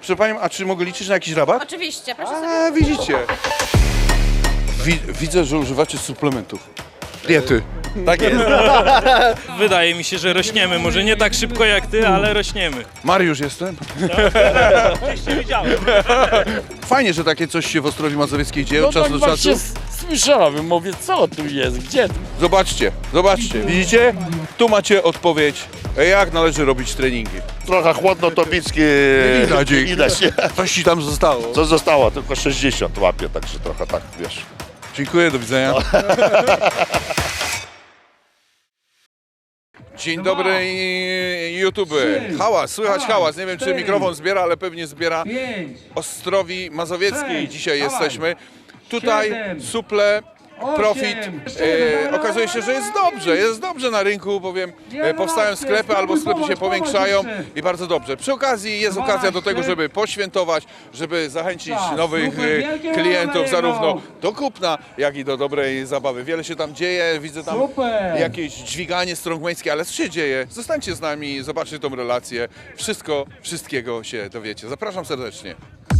Proszę Panią, a czy mogę liczyć na jakiś rabat? Oczywiście, proszę sobie. A, widzicie. Widzę, że używacie suplementów. Diety. Tak jest. Wydaje mi się, że rośniemy. Może nie tak szybko jak ty, ale rośniemy. Mariusz jestem. Oczywiście widziałem. Fajnie, że takie coś się w Ostrowi Mazowieckiej dzieje No od czasu tak do czasu. właśnie słyszałem, mówię, co tu jest, gdzie tu? Zobaczcie, zobaczcie. Widzicie? Tu macie odpowiedź, jak należy robić treningi. Trochę chłodno to bicki Widać, nie widać. Nie? Coś ci tam zostało. Co zostało? Tylko 60 łapie, także trochę tak, wiesz. Dziękuję, do widzenia. Dzień dobry YouTube. Hałas, słychać hałas. Nie wiem, czy mikrofon zbiera, ale pewnie zbiera. Ostrowi Mazowieckiej dzisiaj jesteśmy. Tutaj suple, profit. Okazuje się, że jest dobrze na rynku, bowiem powstają sklepy albo sklepy się powiększają i bardzo dobrze. Przy okazji jest okazja do tego, żeby poświętować, żeby zachęcić nowych klientów zarówno do kupna, jak i do dobrej zabawy. Wiele się tam dzieje, widzę tam jakieś dźwiganie strongmańskie, ale co się dzieje? Zostańcie z nami, zobaczcie tą relację. Wszystkiego się dowiecie. Zapraszam serdecznie.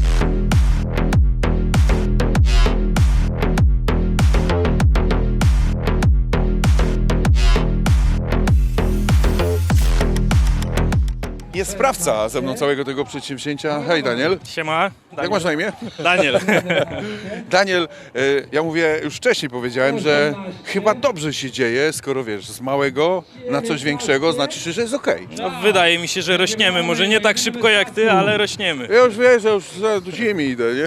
Jest sprawca ze mną całego tego przedsięwzięcia. Hej Daniel, Siema. jak masz na imię? Daniel. Daniel, ja mówię, już wcześniej powiedziałem, że chyba dobrze się dzieje, skoro wiesz, z małego na coś większego, znaczy się, że jest okej. No, wydaje mi się, że rośniemy. Może nie tak szybko jak ty, ale rośniemy. Ja już wiesz, że już do ziemi idę, nie?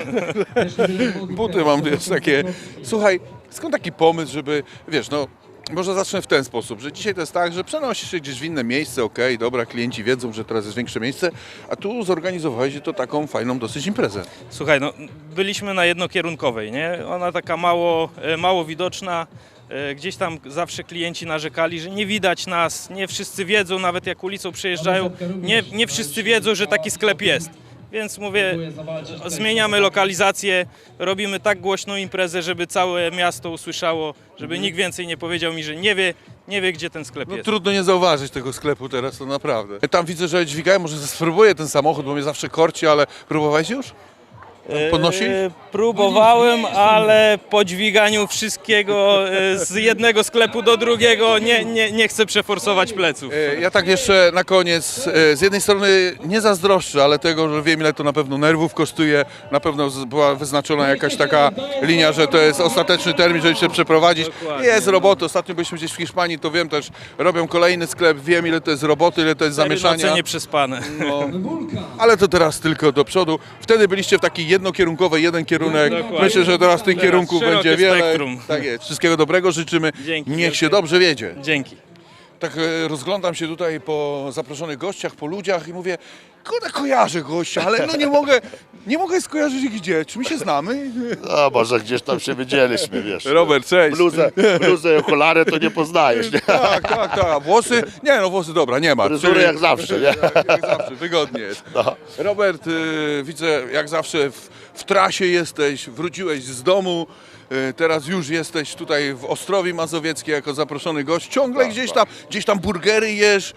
Buty mam, wiesz, takie. Słuchaj, skąd taki pomysł, żeby, wiesz, no, może zacznę w ten sposób, że dzisiaj to jest tak, że przenosisz się gdzieś w inne miejsce, okej, dobra, klienci wiedzą, że teraz jest większe miejsce, a tu zorganizowałeś to taką fajną dosyć imprezę. Słuchaj, no byliśmy na jednokierunkowej, nie? Ona taka mało widoczna. Gdzieś tam zawsze klienci narzekali, że nie widać nas, nie wszyscy wiedzą, nawet jak ulicą przejeżdżają, nie wszyscy wiedzą, że taki sklep jest. Więc mówię, zmieniamy lokalizację, robimy tak głośną imprezę, żeby całe miasto usłyszało, żeby nikt więcej nie powiedział mi, że nie wie gdzie ten sklep No jest. trudno nie zauważyć tego sklepu teraz, to naprawdę. Tam widzę, że dźwigają, może spróbuję ten samochód, bo mnie zawsze korci, ale próbowałeś już? Podnosi? Próbowałem, ale po dźwiganiu wszystkiego z jednego sklepu do drugiego nie chcę przeforsować pleców. Ja tak jeszcze na koniec, z jednej strony nie zazdroszczę, ale tego, że wiem ile to na pewno nerwów kosztuje, na pewno była wyznaczona jakaś taka linia, że to jest ostateczny termin, żeby się przeprowadzić. Dokładnie. Jest roboty, ostatnio byliśmy gdzieś w Hiszpanii, to wiem też, robią kolejny sklep, wiem ile to jest roboty, ile to jest zamieszania. Noce nieprzespane. No, ale to teraz tylko do przodu. Wtedy byliście w takiej jednokierunkowej, jeden kierunek. Dokładnie. Myślę, że teraz tych Teraz kierunków szerokie będzie wiele. spektrum. Tak jest. Wszystkiego dobrego życzymy. Dzięki Niech wielkie. się dobrze wiedzie. Dzięki. Tak rozglądam się tutaj po zaproszonych gościach, po ludziach i mówię, kurde, kojarzę gościa, ale no nie mogę skojarzyć gdzie. Czy my się znamy? No może gdzieś tam się widzieliśmy, wiesz. Robert, cześć. Bluzę i okulary to nie poznajesz, nie? Tak. A włosy? Nie no, włosy dobra, nie ma. Fryzury jak zawsze, nie? Jak zawsze, wygodnie jest. No. Robert, widzę jak zawsze w trasie jesteś, wróciłeś z domu. Teraz już jesteś tutaj w Ostrowi Mazowieckiej jako zaproszony gość. Ciągle Tak, gdzieś tam burgery jesz.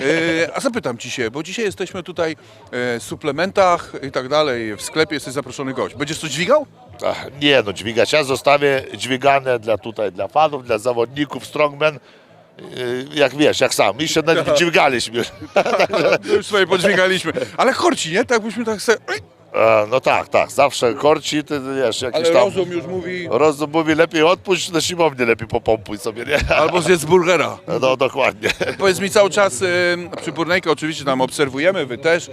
A zapytam ci się, bo dzisiaj jesteśmy tutaj w suplementach i tak dalej. W sklepie jesteś zaproszony gość. Będziesz coś dźwigał? Ach, nie no, dźwigać. Ja zostawię dźwigane dla fanów, dla zawodników, strongman. Jak wiesz, jak sam. My się nawet dźwigaliśmy. No już sobie podźwigaliśmy. Ale chorci, nie? Tak byśmy tak sobie... No tak, zawsze korci, ty wiesz, jakieś Ale tam... rozum już mówi... Rozum mówi, lepiej odpuść, na siłownię lepiej popompuj sobie, nie? Albo zjedz burgera. No dokładnie. Powiedz mi cały czas, przy Burnejkę oczywiście tam obserwujemy, wy też,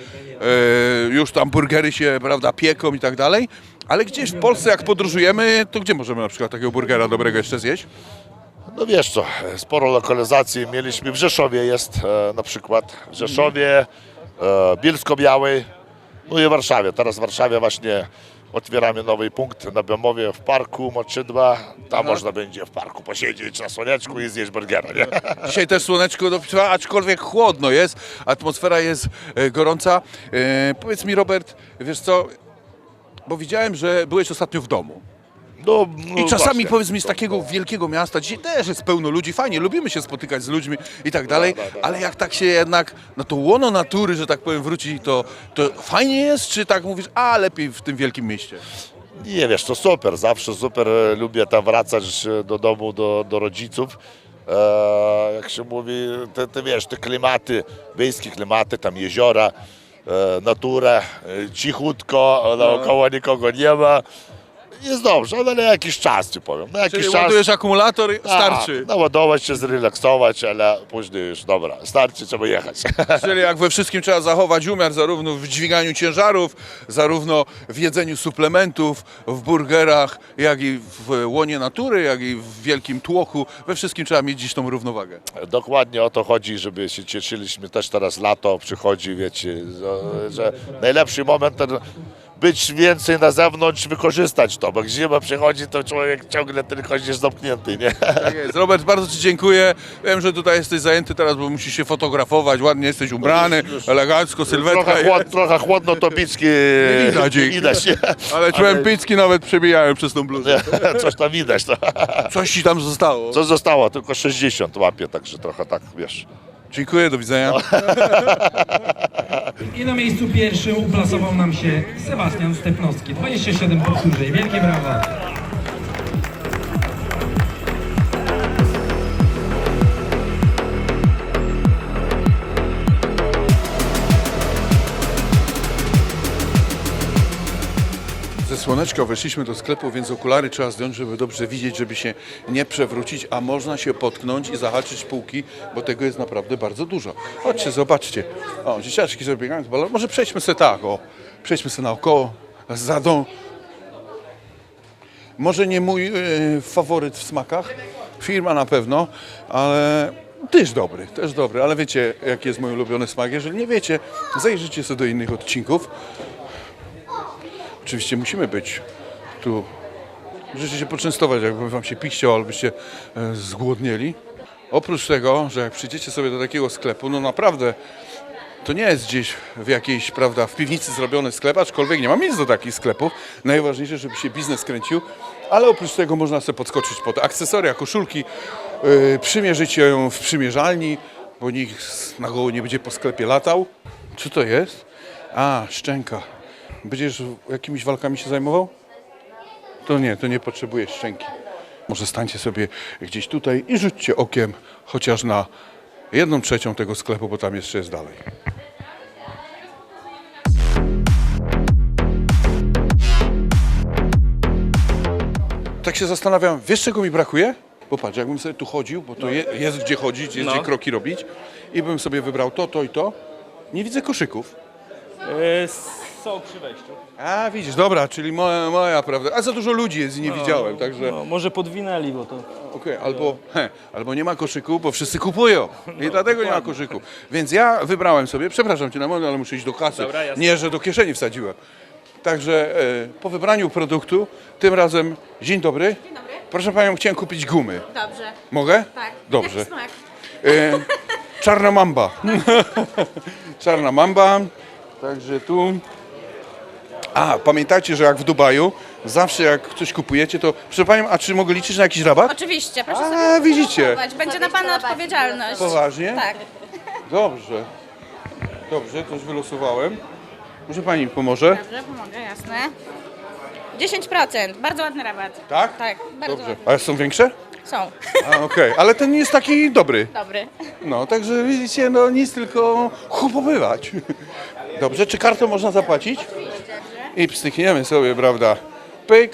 już tam burgery się, prawda, pieką i tak dalej, ale gdzieś w Polsce jak podróżujemy, to gdzie możemy na przykład takiego burgera dobrego jeszcze zjeść? No wiesz co, sporo lokalizacji mieliśmy, w Rzeszowie jest na przykład, w Rzeszowie, Bielsko-Białej, no i w Warszawie. Teraz w Warszawie właśnie otwieramy nowy punkt na Bemowie w parku Moczydła. Tam można będzie w parku posiedzieć na słoneczku i zjeść burgera, nie? Dzisiaj też słoneczko dopiero, aczkolwiek chłodno jest, atmosfera jest gorąca. Powiedz mi Robert, wiesz co, bo widziałem, że byłeś ostatnio w domu. I czasami właśnie. powiedz mi z takiego wielkiego miasta, dzisiaj też jest pełno ludzi, fajnie, lubimy się spotykać z ludźmi i tak dalej, ale jak tak się jednak na to łono natury, że tak powiem, wróci, to fajnie jest, czy tak mówisz, a lepiej w tym wielkim mieście? Nie, wiesz, to super, zawsze super, lubię tam wracać do domu, do rodziców. Jak się mówi, te wiesz, te klimaty, wiejskie klimaty, tam jeziora, natura, cichutko, naokoło nikogo nie ma. Jest dobrze, ale na jakiś czas ci powiem. Na jakiś Czyli czas. ładujesz akumulator, starczy. Tak, naładować się, zrelaksować, ale później już dobra, starczy, trzeba jechać. Czyli jak we wszystkim trzeba zachować umiar, zarówno w dźwiganiu ciężarów, zarówno w jedzeniu suplementów, w burgerach, jak i w łonie natury, jak i w wielkim tłoku. We wszystkim trzeba mieć dziś tą równowagę. Dokładnie o to chodzi, żeby się cieszyliśmy. Też teraz lato przychodzi, wiecie, że najlepszy moment ten być więcej na zewnątrz, wykorzystać to, bo jak zima przychodzi, to człowiek ciągle tylko jest zamknięty, nie? Tak jest. Robert, bardzo Ci dziękuję. Wiem, że tutaj jesteś zajęty teraz, bo musisz się fotografować, ładnie jesteś ubrany, elegancko, sylwetka. Trochę chłodno, to bicki widać ich. widać, nie? Ale czułem picki nawet przebijają przez tą bluzę. Coś tam widać. No. Coś Ci tam zostało. Co zostało? Tylko 60 łapie, także trochę tak, wiesz. Dziękuję, do widzenia. I na miejscu pierwszym uplasował nam się Sebastian Stepnowski. 27 powtórzeń. Wielkie brawa. Ze słoneczka weszliśmy do sklepu, więc okulary trzeba zdjąć, żeby dobrze widzieć, żeby się nie przewrócić, a można się potknąć i zahaczyć półki, bo tego jest naprawdę bardzo dużo. Chodźcie, zobaczcie. O, dzieciaczki sobie biegają z balonem. Może przejdźmy sobie tak, o. Przejdźmy sobie naokoło, za dom. Może nie mój faworyt w smakach, firma na pewno, ale też dobry, ale wiecie, jaki jest mój ulubiony smak. Jeżeli nie wiecie, zajrzyjcie sobie do innych odcinków. Oczywiście musimy być tu, możecie się poczęstować, jakby wam się pić chciało, albo byście zgłodnieli. Oprócz tego, że jak przyjdziecie sobie do takiego sklepu, no naprawdę to nie jest gdzieś w jakiejś, prawda, w piwnicy zrobiony sklep, aczkolwiek nie mam nic do takich sklepów. Najważniejsze, żeby się biznes kręcił, ale oprócz tego można sobie podskoczyć pod akcesoria, koszulki, przymierzyć ją w przymierzalni, bo nikt na goło nie będzie po sklepie latał. Co to jest? A, szczęka. Będziesz jakimiś walkami się zajmował? To nie potrzebujesz szczęki. Może stańcie sobie gdzieś tutaj i rzućcie okiem chociaż na 1/3 tego sklepu, bo tam jeszcze jest dalej. Tak się zastanawiam, wiesz czego mi brakuje? Bo patrz, jakbym sobie tu chodził, bo to jest gdzie chodzić, jest gdzie kroki robić i bym sobie wybrał to i to. Nie widzę koszyków. Są przy wejściu. A widzisz, dobra, czyli moja prawda. A za dużo ludzi jest i nie widziałem, także No, może podwinęli, bo to... okej, albo nie ma koszyku, bo wszyscy kupują i dlatego nie ma koszyku. Więc ja wybrałem sobie, przepraszam Cię na moment, ale muszę iść do kasy. Dobra, jasne. Nie, że do kieszeni wsadziłem. Także po wybraniu produktu, tym razem, dzień dobry. Dzień dobry. Proszę Panią, chciałem kupić gumy. Dobrze. Mogę? Tak. Dobrze. Jaki smak? Czarna mamba. Czarna mamba. Także tu. A, pamiętajcie, że jak w Dubaju, zawsze jak coś kupujecie, to proszę Panią, a czy mogę liczyć na jakiś rabat? Oczywiście, proszę A, sobie widzicie. zanotować. Będzie na Pana odpowiedzialność. Poważnie? Tak. Dobrze. Dobrze, to już wylosowałem. Może Pani mi pomoże? Dobrze, pomogę, jasne. 10%, bardzo ładny rabat. Tak? Tak, bardzo Dobrze. ładny. A są większe? Są. A, okej. Ale ten jest taki dobry. Dobry. No, także widzicie, no nic, tylko kupowywać. Dobrze, czy kartą można zapłacić? I pstrykniemy sobie, prawda, pyk.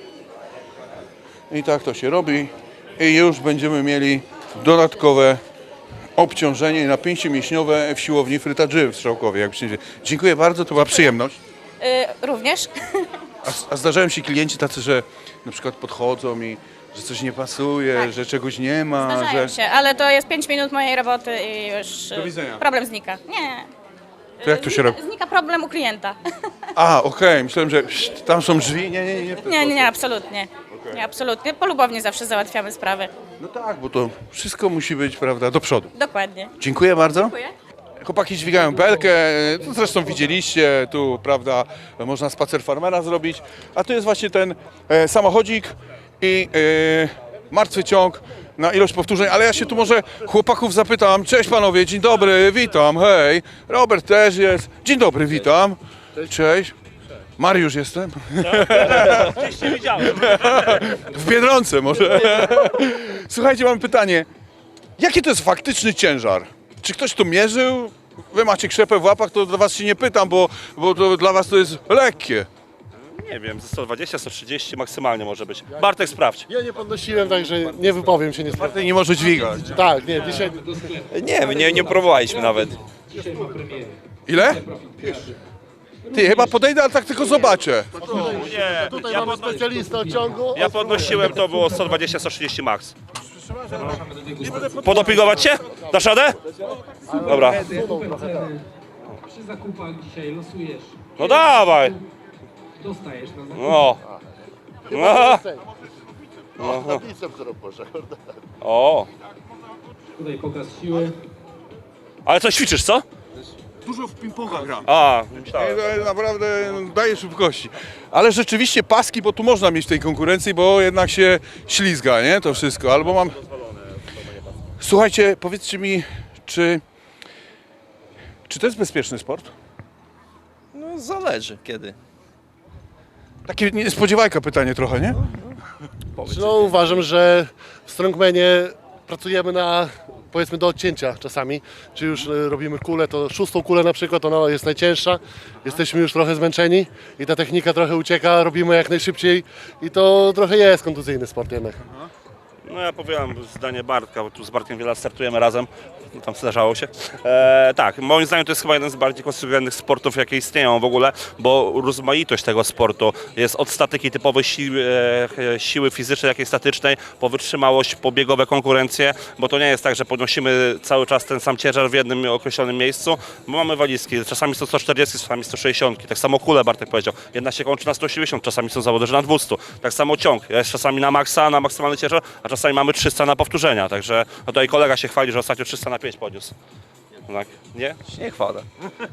I tak to się robi. I już będziemy mieli dodatkowe obciążenie i napięcie mięśniowe w siłowni Fryta Dży w Strzałkowie. Jak przyjdzie. Dziękuję bardzo, to była przyjemność. Również. A zdarzają się klienci tacy, że na przykład podchodzą i że coś nie pasuje, Tak. że czegoś nie ma, Zdarzają że... się, ale to jest 5 minut mojej roboty i już Do widzenia. problem znika. Nie. To jak to się robi? Znika problem u klienta. A, okej, myślałem, że tam są drzwi. Nie. w ten Nie, sposób. absolutnie. Nie, absolutnie. Polubownie zawsze załatwiamy sprawy. No tak, bo to wszystko musi być, prawda, do przodu. Dokładnie. Dziękuję bardzo. Dziękuję. Chłopaki dźwigają belkę, to zresztą widzieliście, tu, prawda, można spacer farmera zrobić, a tu jest właśnie ten samochodzik i martwy ciąg na ilość powtórzeń, ale ja się tu może chłopaków zapytam. Cześć panowie, dzień dobry, witam, hej. Robert też jest, dzień dobry, witam. Cześć. Mariusz jestem. Gdzieś nie widziałem. W Biedronce może. Słuchajcie, mam pytanie. Jaki to jest faktyczny ciężar? Czy ktoś to mierzył? Wy macie krzepę w łapach, to do was się nie pytam, bo to dla was to jest lekkie. Nie wiem, ze 120, 130 maksymalnie może być. Bartek, sprawdź. Ja nie podnosiłem, także nie wypowiem się, nie sprawdzę. Ty nie może dźwigać. Tak, nie, dzisiaj Nie próbowaliśmy nawet. Ile? Ty, chyba podejdę, ale tak tylko zobaczę. Nie, tutaj mamy specjalistę od ciągu. ja podnosiłem, to było 120, 130 max. Podopingować się? Dasz radę? Dobra. Przy zakupach dzisiaj losujesz. No dawaj. Dostajesz na zakup. No. No. Na bicep, którą poszedł. O. Tutaj pokaz siły. Ale coś ćwiczysz, co? Dużo w ping-ponga gram. A, Naprawdę daje szybkości. Ale rzeczywiście paski, bo tu można mieć w tej konkurencji, bo jednak się ślizga, nie? To wszystko. Albo mam... Słuchajcie, powiedzcie mi, czy to jest bezpieczny sport? No zależy kiedy. Takie niespodziewajka pytanie trochę, nie? No uważam, że w strongmanie pracujemy na, powiedzmy, do odcięcia czasami. Czy już robimy kulę, to 6. kulę na przykład, ona jest najcięższa. Jesteśmy już trochę zmęczeni i ta technika trochę ucieka, robimy jak najszybciej i to trochę jest kontuzyjny sport jednak. no ja powiem zdanie Bartka, bo tu z Bartkiem wiele lat startujemy razem. No, tam zdarzało się. Tak, moim zdaniem to jest chyba jeden z bardziej konstruowanych sportów, jakie istnieją w ogóle, bo rozmaitość tego sportu jest od statyki typowej siły fizycznej, jak i statycznej, po wytrzymałość, po biegowe konkurencje, bo to nie jest tak, że podnosimy cały czas ten sam ciężar w jednym określonym miejscu, bo mamy walizki, czasami są 140, czasami 160, tak samo kule Bartek powiedział, jedna się kończy na 180, czasami są zawody, że na 200, tak samo ciąg, jest czasami na maksa, na maksymalny ciężar, a czasami mamy 300 na powtórzenia, także no tutaj kolega się chwali, że ostatnio 300 na 5 podniósł. Tak, nie? Nie chwalę.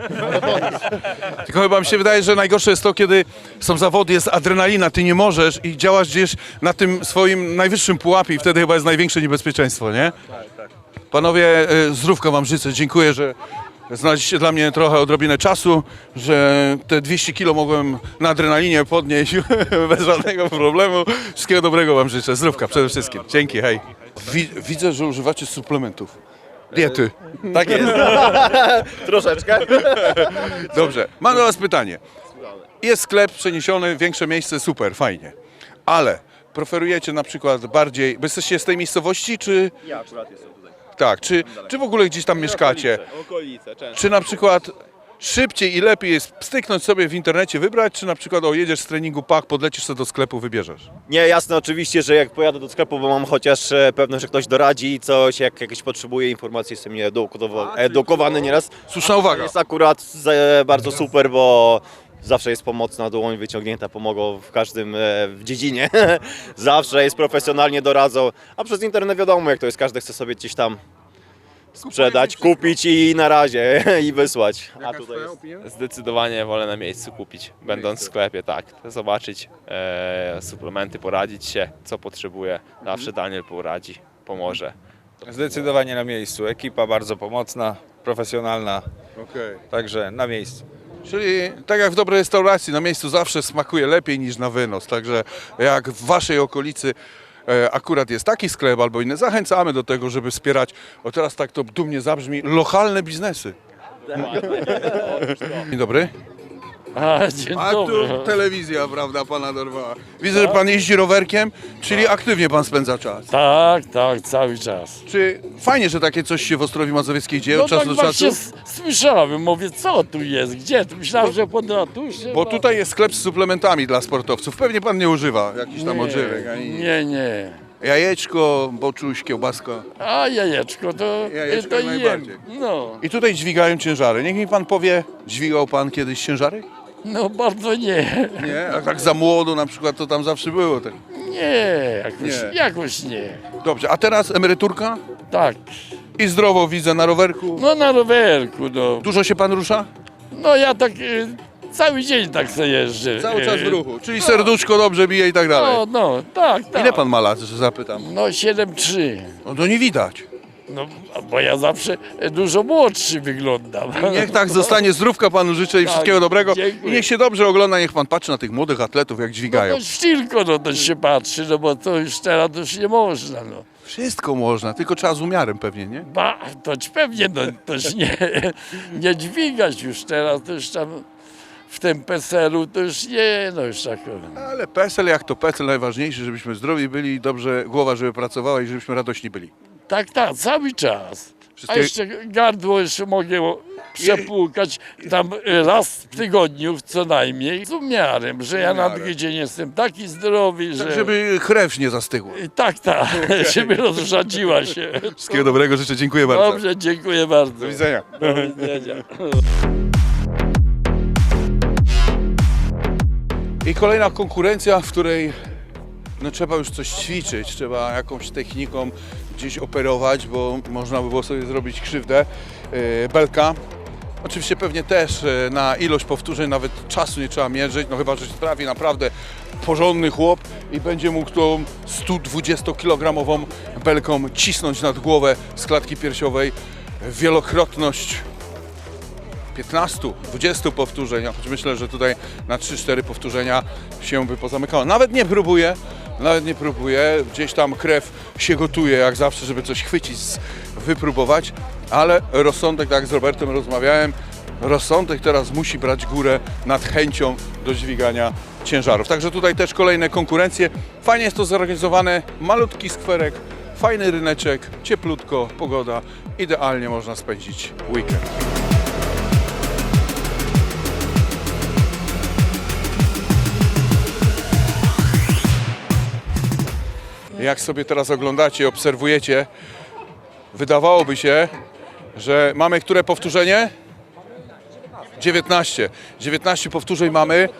Tylko chyba mi się wydaje, że najgorsze jest to, kiedy są zawody, jest adrenalina, ty nie możesz i działasz gdzieś na tym swoim najwyższym pułapie i wtedy chyba jest największe niebezpieczeństwo, nie? Tak. Panowie, zdrówka wam życzę, dziękuję, że znaleźliście dla mnie trochę odrobinę czasu, że te 200 kilo mogłem na adrenalinie podnieść bez żadnego problemu. Wszystkiego dobrego wam życzę, zdrówka przede wszystkim. Dzięki, hej. Widzę, że używacie suplementów. Diety. Tak jest. Troszeczkę. Dobrze, mam do was pytanie. Jest sklep przeniesiony, większe miejsce, super, fajnie. Ale preferujecie na przykład bardziej, bo jesteście z tej miejscowości, czy... Ja akurat jestem tutaj. Tak, czy w ogóle gdzieś tam mieszkacie? Okolice, często. Czy na przykład szybciej i lepiej jest styknąć sobie w internecie, wybrać, czy na przykład jedziesz z treningu PAK, podlecisz sobie do sklepu, wybierzesz? Nie, jasne oczywiście, że jak pojadę do sklepu, bo mam chociaż pewność, że ktoś doradzi coś, jak jakieś potrzebuje informacji, jestem edukowany nieraz. Słuszna uwaga. Jest akurat bardzo super, bo zawsze jest pomocna dłoń wyciągnięta, pomogą w każdym w dziedzinie. Zawsze jest profesjonalnie doradzą, a przez internet wiadomo jak to jest, każdy chce sobie gdzieś tam sprzedać, kupić i na razie i wysłać. A tutaj jest... Zdecydowanie wolę na miejscu kupić, będąc w sklepie, tak. Zobaczyć suplementy, poradzić się, co potrzebuję. Zawsze Daniel poradzi, pomoże. Zdecydowanie na miejscu. Ekipa bardzo pomocna, profesjonalna, także na miejscu. Czyli tak jak w dobrej restauracji, na miejscu zawsze smakuje lepiej niż na wynos. Także jak w waszej okolicy akurat jest taki sklep albo inny, zachęcamy do tego, żeby wspierać, o teraz tak to dumnie zabrzmi, lokalne biznesy. Dzień dobry. Dzień A dobry. tu telewizja, prawda, pana dorwała. Widzę, że pan jeździ rowerkiem, czyli aktywnie pan spędza czas. Tak, cały czas. Czy fajnie, że takie coś się w Ostrowi Mazowieckiej dzieje No od czasu tak do czasu? właśnie słyszałem, mówię, co tu jest, gdzie? Myślałem, że pod ratuszem. Bo tutaj jest sklep z suplementami dla sportowców. Pewnie pan nie używa jakichś tam odżywek. Ani... Nie. Jajeczko, boczuś, kiełbaska. A jajeczko to, Jajeczko to jak jem. najbardziej. No, I tutaj dźwigają ciężary. Niech mi pan powie, dźwigał pan kiedyś ciężary? no bardzo nie. Nie? A tak za młodu na przykład to tam zawsze było. Tak. Nie, Nie. jakoś nie. Dobrze, a teraz emeryturka? Tak, I zdrowo widzę na rowerku. No na rowerku, no. Dużo się pan rusza? No ja tak cały dzień tak sobie jeżdżę. Cały czas w ruchu, czyli serduszko dobrze bije i tak dalej. No, tak. Ile pan ma lat, że zapytam? No 7,3. No to nie widać. No, bo ja zawsze dużo młodszy wyglądam. Niech tak zostanie, zdrówka panu życzę i Tak, wszystkiego dobrego. dziękuję. I niech się dobrze ogląda, niech pan patrzy na tych młodych atletów, jak dźwigają. No to tylko no to się patrzy, no bo to już teraz to już nie można, no. Wszystko można, tylko trzeba z umiarem pewnie, nie? To pewnie, no toż nie dźwigać już teraz, to już tam w tym PESEL-u to już nie, no już tak. Ale PESEL jak to PESEL, najważniejsze, żebyśmy zdrowi byli i dobrze głowa, żeby pracowała i żebyśmy radośni byli. Tak, cały czas. A Wszystkie- jeszcze gardło jeszcze mogę przepłukać tam raz w tygodniu co najmniej z umiarem, że ja na drugi dzień jestem taki zdrowy, Tak, że... żeby krew nie zastygła. Tak, żeby rozrzadziła się. Wszystkiego dobrego życzę, dziękuję bardzo. Dobrze, dziękuję bardzo. Do widzenia. Do widzenia. I kolejna konkurencja, w której no, trzeba już coś ćwiczyć, trzeba jakąś techniką gdzieś operować, bo można by było sobie zrobić krzywdę. Belka. Oczywiście pewnie też na ilość powtórzeń nawet czasu nie trzeba mierzyć, no chyba, że się trafi naprawdę porządny chłop i będzie mógł tą 120-kilogramową belką cisnąć nad głowę z klatki piersiowej. Wielokrotność 15-20 powtórzeń, choć myślę, że tutaj na 3-4 powtórzenia się by pozamykało. Nawet nie próbuję, gdzieś tam krew się gotuje jak zawsze, żeby coś chwycić, wypróbować, ale rozsądek, tak jak z Robertem rozmawiałem, rozsądek teraz musi brać górę nad chęcią do dźwigania ciężarów. Także tutaj też kolejne konkurencje. Fajnie jest to zorganizowane, malutki skwerek, fajny ryneczek, cieplutko, pogoda, idealnie można spędzić weekend. Jak sobie teraz oglądacie, obserwujecie, wydawałoby się, że mamy które powtórzenie? 19. 19 powtórzeń mamy.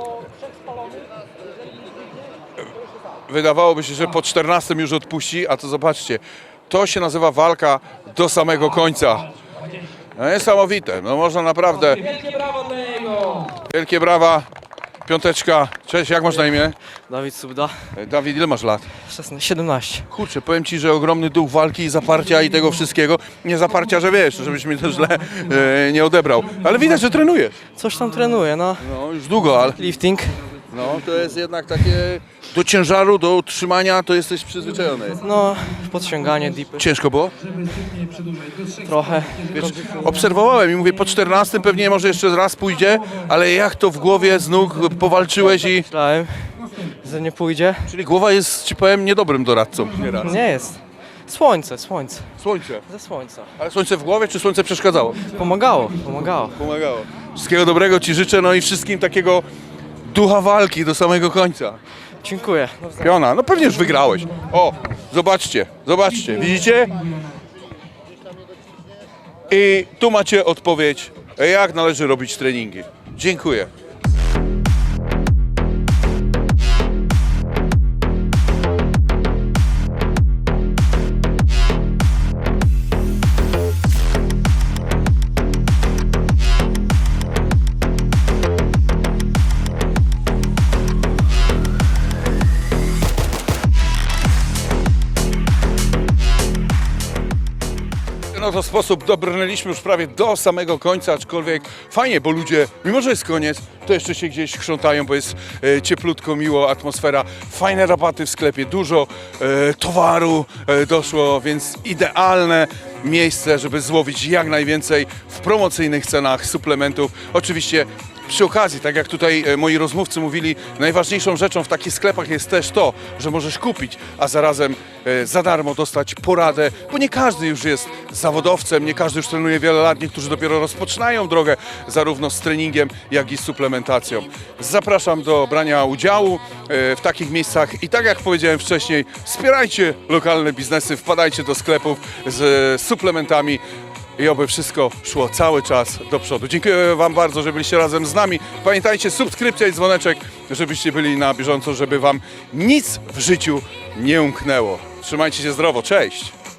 Wydawałoby się, że po 14 już odpuści, a to zobaczcie, to się nazywa walka do samego końca. No niesamowite, no można naprawdę... Wielkie brawo dla niego! Wielkie brawa, piąteczka. Cześć, jak masz na imię? Dawid Subda, Dawid, ile masz lat? 17. Kurczę, powiem Ci, że ogromny duch walki i zaparcia i tego wszystkiego. Nie zaparcia, że wiesz, żebyś mnie to źle nie odebrał. Ale widać, że trenujesz. Coś tam trenuję, no. No, już długo, ale Lifting. no, to jest jednak takie do ciężaru, do utrzymania, to jesteś przyzwyczajony. No, podciąganie, dipy. Ciężko było? Trochę. Wiesz, obserwowałem i mówię, po 14 pewnie może jeszcze raz pójdzie, ale jak to w głowie z nóg powalczyłeś i... Myślałem, że nie pójdzie. Czyli głowa jest, Ci powiem, niedobrym doradcą. Nieraz. Nie jest. Słońce. Słońce. Ze słońca. Ale słońce w głowie, czy słońce przeszkadzało? Pomagało. Pomagało. Wszystkiego dobrego Ci życzę, no i wszystkim takiego ducha walki do samego końca. Dziękuję. Piona, no pewnie już wygrałeś. O, zobaczcie, widzicie? I tu macie odpowiedź, jak należy robić treningi. Dziękuję. No to sposób dobrnęliśmy już prawie do samego końca, aczkolwiek fajnie, bo ludzie, mimo że jest koniec, to jeszcze się gdzieś chrzątają, bo jest cieplutko, miło, atmosfera, fajne rabaty w sklepie, dużo towaru doszło, więc idealne miejsce, żeby złowić jak najwięcej w promocyjnych cenach suplementów. Oczywiście przy okazji, tak jak tutaj moi rozmówcy mówili, najważniejszą rzeczą w takich sklepach jest też to, że możesz kupić, a zarazem za darmo dostać poradę, bo nie każdy już jest zawodowcem, nie każdy już trenuje wiele lat, niektórzy dopiero rozpoczynają drogę zarówno z treningiem, jak i z suplementacją. Zapraszam do brania udziału w takich miejscach i tak jak powiedziałem wcześniej, wspierajcie lokalne biznesy, wpadajcie do sklepów z suplementami, i oby wszystko szło cały czas do przodu. Dziękuję Wam bardzo, że byliście razem z nami. Pamiętajcie, subskrypcja i dzwoneczek, żebyście byli na bieżąco, żeby Wam nic w życiu nie umknęło. Trzymajcie się zdrowo, cześć!